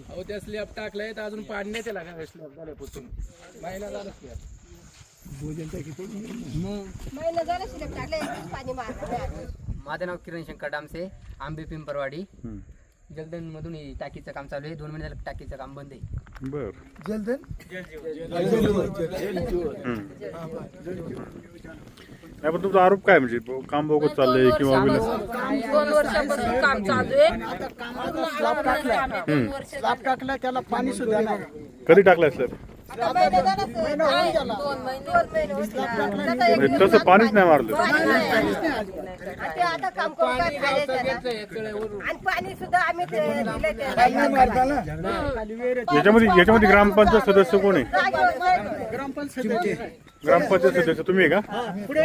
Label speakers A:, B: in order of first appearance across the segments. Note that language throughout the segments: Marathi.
A: अहो त्या स्लॅब टाकलाय तर अजून पाणी नाही त्याला काय स्लॅब झाल्यापासून महिना झाला स्लॅब
B: महिना झाला स्लॅब टाकलाय पाणी मारलं.
C: माझं नाव किरण शंकर डामसे, आंबे पिंपरवाडी. जलदन मधून टाकीचं काम चालू आहे. 2 महिने झालं टाकीचं काम बंद आहे.
D: बर
E: जलधन
D: नाही पण तुमचा आरोप काय म्हणजे काम बोगस चाललंय किंवा
F: 2 वर्षापासून काम चालू आहे.
E: स्लॅब टाकला त्याला पाणी सुद्धा नाही.
D: कधी टाकलाय स्लॅब?
B: आता महिना झाला असेल.
F: 2 महिने
D: तसं पाणीच नाही मारलं.
B: आणि ते आता काम करून काय फायदा त्याला? आणि पाणी सुद्धा आम्ही दिले त्याला.
D: याच्यामध्ये ग्रामपंचायत सदस्य कोण आहे?
B: जागेवर
D: ग्रामपंचायत सदस्य तुम्ही आहे का?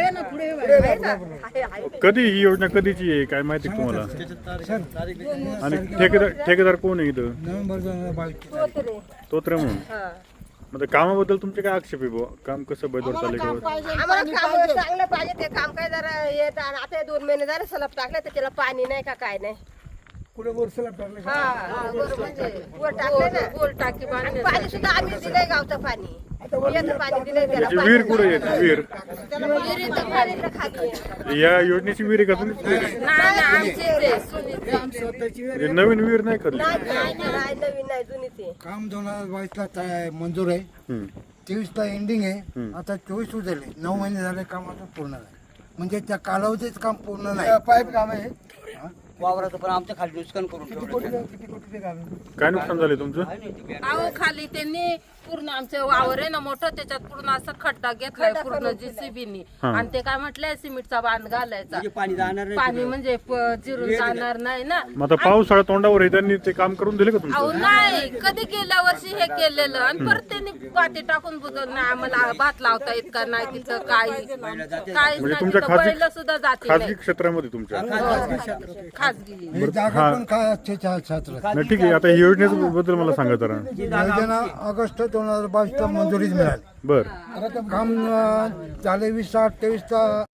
D: कधी ही योजना कधीची आहे काय माहिती आहे तुम्हाला? आणि ठेकेदार कोण आहे इथं?
B: तोतरे.
D: तोत्रे म्हणून. म्हणजे कामाबद्दल तुमचे काय आक्षेप आहे बुवा? काम कसं बदल चाललंय का?
B: आम्हाला काम चांगलं पाहिजे. ते काम काय जरा येत आणि आता 2 महिने झाले सलप टाकलं तर त्याला पाणी नाही का काय नाही.
E: पुढे वर स्लॅब टाकले.
B: हा बरोबर म्हणजे वर टाकले ना.
F: गोल टाकी
B: आणि पाणी सुद्धा आम्ही दिलंय गावचं पाणी. येतं पाणी दिलंय त्याला.
D: याची विहीर कुठे येते विहीर?
B: विहिरीचं पाणी तर खाली आहे.
D: या योजनेची विहीर आहे का तुमची?
F: नाही आमची ते सुनीता.
D: म्हणजे नवीन विहीर नाही करली?
B: नाही नवीन नाही जुनीच आहे.
E: काम 2022ला मंजूर आहे. 23ला एंडिंग आहे. आता 24 झाले. 9 महिने झाले काम आता पूर्ण झालं. म्हणजे त्या कालावधीच काम पूर्ण नाही. पाईप काम आहे
C: वावराचं पण आमच्या खाली नुकसान करून
E: किती कोटीचे काम आहे?
D: काय नुकसान झाले तुमचं?
F: अहो खाली त्यांनी पूर्ण आमचं वावर आहे ना मोठं, त्याच्यात पूर्ण असं खड्डा घेतलाय पूर्ण JCB आणि ते काय म्हटलंय सिमेंटचा बांध घालायचा. पाणी म्हणजे जिरून जाणार नाही ना.
D: मग आता पावसाळा तोंडावर आहे त्यांनी ते काम करून दिले का
F: अहो
D: तुमचं?
F: नाही कधी गेल्या वर्षी हे केलेलं आणि परत त्यांनी पाती टाकून बुजवलं नाही. आम्हाला भात लावता येत का नाही तिथं काहीच
D: म्हणजे तुमच्या
F: नाही. बैल सुद्धा जाते
D: खाजगी क्षेत्रामध्ये तुमच्या?
F: खाजगी.
E: हे जागा पण काय छात्र
D: नाही ठीक आहे. आता ही योजनेबद्दल मला सांगा जरा.
E: योजना ऑगस्ट 2022ला मंजुरीच मिळाली.
D: बर
E: काम झाले 20/8/23चा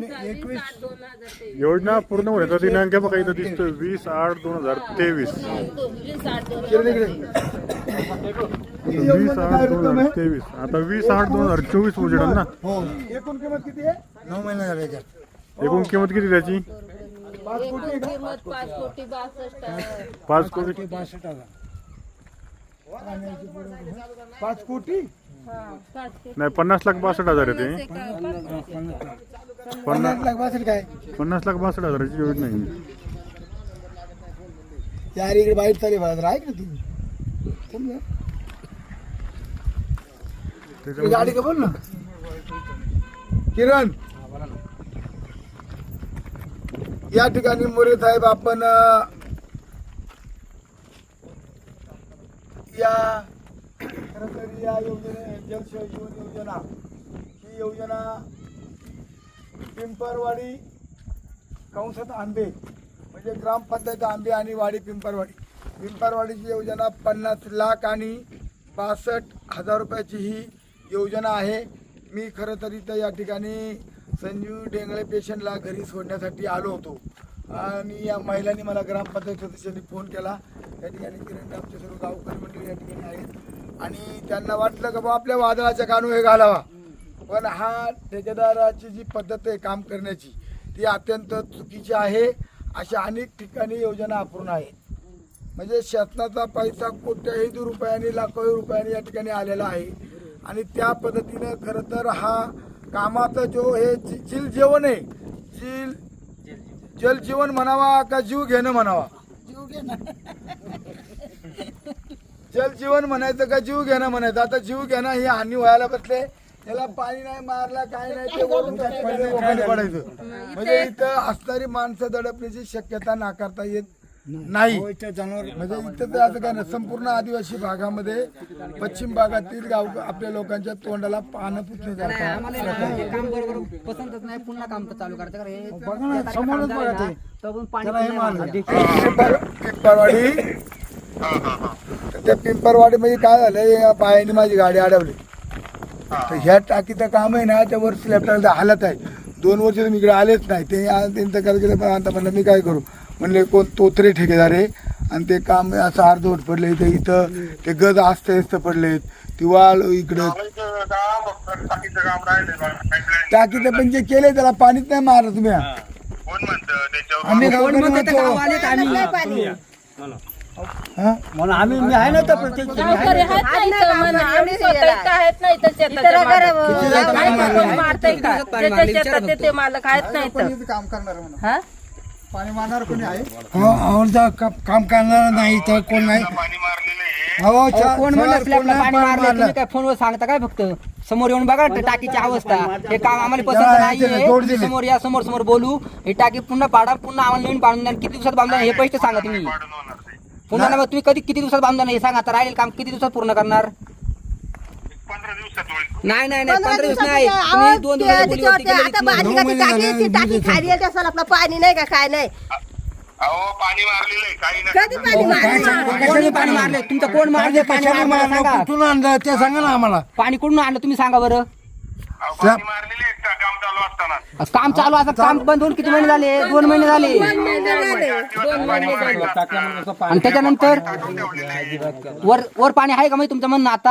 E: 21
D: योजना पूर्ण होण्याचा दिनांक बघा इथं दिसतोय 20/8/2023. 20/8/2023. आता 20/8/2024 उजेडल ना.
E: हो. एकूण किंमत किती आहे? 9 महिने झाले त्याच्यात.
D: एकूण किंमत किती त्याची?
F: 5 कोटी 62.
D: 5 कोटी
E: 62,000. 5 कोटी
D: नाही 50,62,000 आहे ते.
E: 50 लाख बसेल काय?
D: 50,62,000ची योजना आहे.
E: यार इकडे बाहेर चालली बाहेर ऐक ना तू.
D: त्याच्यामध्ये
E: गाडी का बोल ना किरण. या ठिकाणी मोरे साहेब आपण या खरं तर या योजने जलशय जीवन योजना ही योजना पिंपरवाडी कंसात आंबे म्हणजे ग्रामपंचायत आंबे आणि वाडी पिंपरवाडीची योजना 50 लाख आणि 62,000 रुपयाची ही योजना आहे. मी खरं तर इथं या ठिकाणी संजीव डेंगळे पेशंटला घरी सोडण्यासाठी आलो होतो आणि या महिलांनी मला ग्रामपंचायत सदस्यांनी फोन केला. त्या ठिकाणी किरण आमचे सर्व गावकरी मंडळी या ठिकाणी आहेत आणि त्यांना वाटलं की बाबा आपल्या वादळाच्या कानू हे घालावा. पण हा ठेकेदाराची जी पद्धत आहे काम करण्याची ती अत्यंत चुकीची आहे. अशा अनेक ठिकाणी योजना अपूर्ण आहेत. म्हणजे शासनाचा पैसा कोट्याही रुपयांनी लाखो रुपयांनी या ठिकाणी आलेला आहे आणि त्या पद्धतीनं खरं तर हा कामाचा जो हे जीवन आहे जलजीवन म्हणावा का जीव घेणं म्हणावा? जलजीवन म्हणायचं का जीव घेणं म्हणायचं? आता जीव घेणं हे हानी व्हायला बसले. त्याला पाणी नाही मारला काय नाही ते वरून पडायचं. म्हणजे इथं असणारी माणसं दडपण्याची शक्यता नाकारता येत नाही. म्हणजे इथं तर असं काय नाही. संपूर्ण आदिवासी भागामध्ये पश्चिम भागातील गाव आपल्या लोकांच्या तोंडाला पानं पुसले जातात.
C: काम बरोबर पसंतच नाही. पुन्हा काम चालू करायचं कारण
E: बघा ना समोरच बघा ते. त्याला हे मारलं.
C: पाणी
E: पिंपरवाडी त्या पिंपरवाडी मध्ये काय झालं बायाने माझी गाडी अडवली. तर ह्या टाकीचं काम आहे ना त्या वर स्लॅब टाकायचं हालत आहे. 2 वर्ष तुम्ही इकडे आलेच नाही. ते त्यांचं करायचं पण आता म्हणलं मी काय करू म्हणले कोण तोत्रे ठेकेदार आहे आणि ते काम असं अर्धवट पडले इथं ते गज असत पडलेत ती वाळ इकडं टाकीचं पण जे केले त्याला पाणीच नाही मारलं तुम्ही आम्ही गावकरी म्हणतो. हा?
F: गावकरी आहेत ना इथं म्हणा. आम्ही स्वतः इथं आहेत ना इथं शेताच्या मालक. कोण मारतंय का? ज्याच्या शेतात ते मालक आहेत ना इथं.
E: काम करणार म्हणून
F: हा?
E: पाणी मारणार कोणी आहे आमचा काम करणार नाही तर कोण नाही हो
C: कोण म्हणलं स्लॅबला पाणी मारलं तुम्ही काय फोनवर सांगता काय फक्त समोर येऊन बघा टाकीची अवस्था हे काम आम्हाला पसंत नाहीये समोर या समोर समोर बोलू ही टाकी पुन्हा पाडा पुन्हा आम्हाला नवीन बांधून द्या किती दिवसात बांधणार हे पैसे सांगा तुम्ही पुन्हा मग तुम्ही कधी किती दिवसात बांधणार हे सांगा आता राहील काम किती दिवसात पूर्ण करणार नाही नाही नाही 15 दिवस नाही तुम्ही 2 दिवस बोलीवरती केलेली
B: आता बादली का ती टाकी खाली येते असेल आपलं पाणी नाही का काय नाही
G: पाणी मारलेलं काही
B: कधी पाणी मारलं?
C: कोणी पाणी मारले तुमचं कोण मारले पाणी मारलं सांगा
E: कुठून आणलं ते सांगा ना आम्हाला
C: पाणी कुठून आणलं तुम्ही सांगा बरं
G: पाणी मारलेले काम चालू असताना
C: काम चालू असं काम बंद होऊन किती महिने झाले 2 महिने झाले आणि त्याच्यानंतर वर पाणी आहे का माहिती तुमचं म्हणणं आता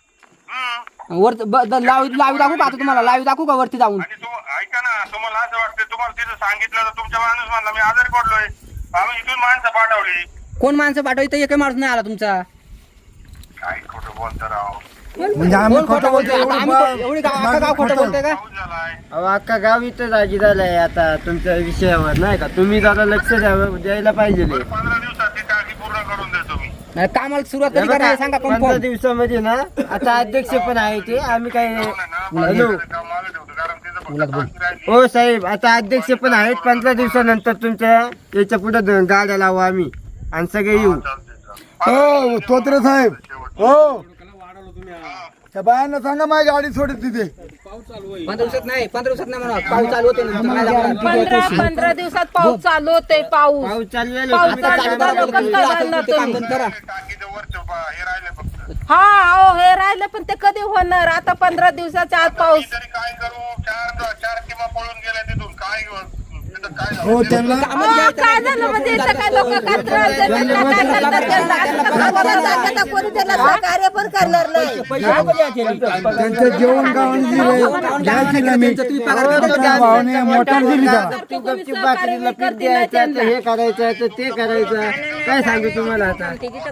C: वर लावी दाखवू का आता तुम्हाला लावी दाखवू का वरती जाऊन
G: आणि ऐका ना तुम्हाला असं वाटतं तुम्हाला तिथं सांगितलं तर तुमचा माणूस म्हणला मी आजारी पडलोय आम्ही इथून माणसं पाठवली
C: कोण माणसं पाठवली तर एकही माणूस नाही आला तुमचा
G: काय खोटं बोलतं राव
E: म्हणजे आम्ही खोटं बोलतो
C: आता आम्ही एवढी अख्खा गाव खोटं बोलतोय का
G: पाऊस झालाय
H: अख्खा गाव इथं जागी झालंय आता तुमच्या विषयावर नाही का तुम्ही जरा लक्ष द्यायला पाहिजे
G: 15 दिवसात ती टाकी पूर्ण करून देतो मी
C: नाही, कामाला सुरुवात कधी करणार हे सांगा
H: 15
C: कन्फर्म
H: दिवसामध्ये ना आता अध्यक्ष पण आहे ते आम्ही काय हॅलो
G: मागे ठेवतो कारण तिथं फक्त टाकी राहिली
H: हो साहेब आता अध्यक्ष पण आहेत 15 दिवसानंतर तुमच्या याच्या पुढे गाड्या लावू आम्ही आणि सगळे येऊ
E: हो तोत्रे साहेब हो त्या बायांना सांगा माझी गाडी सोडत तिथे
C: 15 दिवसात नाही 15 दिवसात नाही म्हणा पाऊस चालू होते ना, काय लागणार?
F: 15 दिवसात पाऊस चालू होते पाऊस
H: पाऊस चालू आहे
F: पाऊस
H: लोक.
F: चालू झालं का चालणार
C: ते काम
F: तुम्ही?
C: बंद करा
G: टाकीचं वरचं हे राहिले फक्त
F: हा अहो हे राहिलं पण ते कधी होणार आता 15 दिवसाच्या आत पाऊस
G: तरी काय करू चार किंवा पळून गेल्या तिथून काय तिथं काय झालं?
E: हो त्यांना
F: अहो, काय झालं म्हणजे इथं काय लोक काय त्रास देतात का? काय करतात त्यांना?
B: कोणी त्याला सहकार्य पण करणार नाही
E: त्यांचं जेवण गावाने दिले घ्यायची ना मी त्या भावाने मोटर दिली का
H: तू गपचूप बाकरीला पीठ द्यायचं तर हे करायचं तर ते करायचं काय सांगू तुम्हाला आता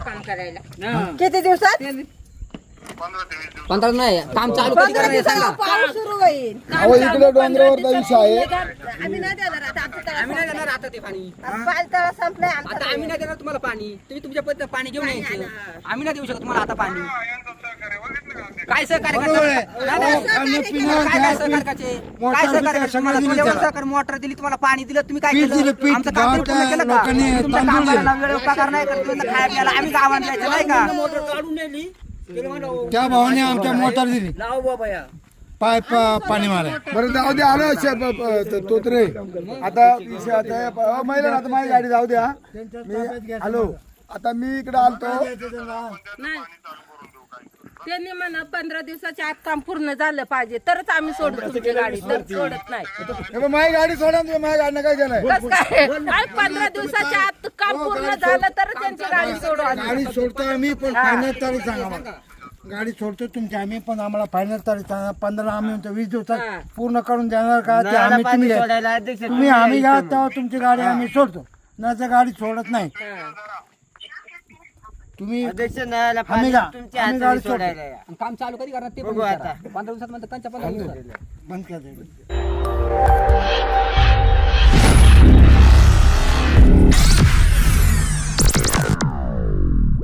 B: किती दिवसात
G: 15 ते 20 दिवस
C: 15 नाही काम चालू कधी करणार हे सांगा
B: पाऊस सुरू होईल
E: अहो इकडे डोंगरावरचा विषय आहे
B: आम्ही नाही देणार आता आमचं तळ
C: आम्ही नाही देणार आता ते पाणी
B: पाणी तळ संपलंय आमचं.
C: आता आम्ही नाही देणार तुम्हाला पाणी तुम्ही तुमच्या पद्धतीने पाणी घेऊन यायचं आम्ही नाही देऊ शकत तुम्हाला आता पाणी
G: यांचं सहकार्य बघितलं का ते?
C: काय सहकार्य करणार? नाही, नाही. काय सहकार्य करायचे? काय सहकार्य करायचे? तुम्हाला जेवढं सहकार्य मोटर दिली तुम्हाला पाणी दिलं तुम्ही काय केलं आमचं काम तुम्ही पूर्ण केलं का तुमच्या कामाला वेळ उपकार नाही करत तुम्ही खाया प्यायला आम्ही गावात द्यायचं नाही का
E: त्या भावाने आमच्या मोटर दिली पाय पाणी मारा बरं जाऊ दे आलो तोत्रे आता विषय आता महिला आता माझी गाडी जाऊ द्या मी हॅलो आता मी इकडे आलतो
F: नाही त्यांनी म्हणा 15 दिवसाच्या आत काम पूर्ण झालं पाहिजे तरच आम्ही सोडू तुमची गाडी तर सोडत नाही
E: हे बघ, माझी गाडी सोडा तुम्ही माझ्या गाडीनं काय केलंय
F: कसं काय 15 दिवसाच्या आत काम पूर्ण झालं तर त्यांची गाडी सोडू आम्ही.
E: गाडी सोडतो आम्ही पण फायनल तारीख सांगा मला गाडी सोडतो तुमची आम्ही पण आम्हाला फायनल तारीख सांगा 15 आम्ही म्हणतो 20 दिवसात पूर्ण करून देणार का ते आम्ही तुम्ही घ्या.
H: सोडायला अध्यक्ष
E: तुम्ही आम्ही घ्या तेव्हा तुमची गाडी आम्ही सोडतो नाही तर गाडी सोडत नाही तुम्ही
H: अध्यक्ष नाही
E: आम्ही जा.
H: तुमच्या
E: आम्ही
H: हाताने
E: गाडी
H: सोडायला या.
C: आणि काम चालू कधी करणार ते पण
H: बघू
C: विचारा.
H: आता.
C: 15 दिवसात म्हणतात 15 दिवसात
E: बंद कर